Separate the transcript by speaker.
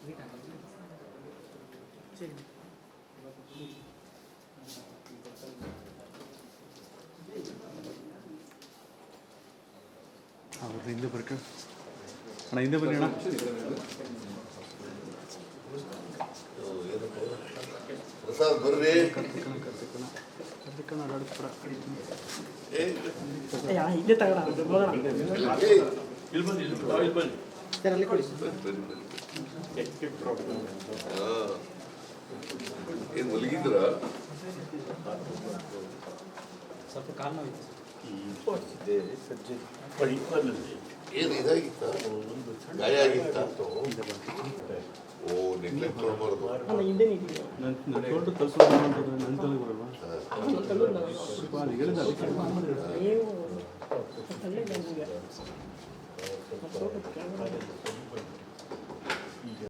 Speaker 1: ಹಿಂದೆ ಬರ್ಕ ಅಣ್ಣ ಹಿಂದೆ ಬನ್ನಿ ಅಣ್ಣ.
Speaker 2: ಪ್ರಸಾದ್ ಬರ್ರಿ.
Speaker 3: ಇಲ್ಲೇ ತಗೋಣ
Speaker 2: ಏನ್ ಮಲಗಿದ್ರ?
Speaker 3: ಸ್ವಲ್ಪ ಕಾಲ್ ನೋವಿತ್ತು.
Speaker 2: ಏನು ಇದಾಗಿತ್ತ? ಗಾಯ ಆಗಿತ್ತ? ಓ ನೆಗ್ಲೆಕ್ಟ್ ಮಾಡಬಾರ್ದು.
Speaker 3: ಅಲ್ಲ ಹಿಂದೆ ನಿಂತಿದೆ.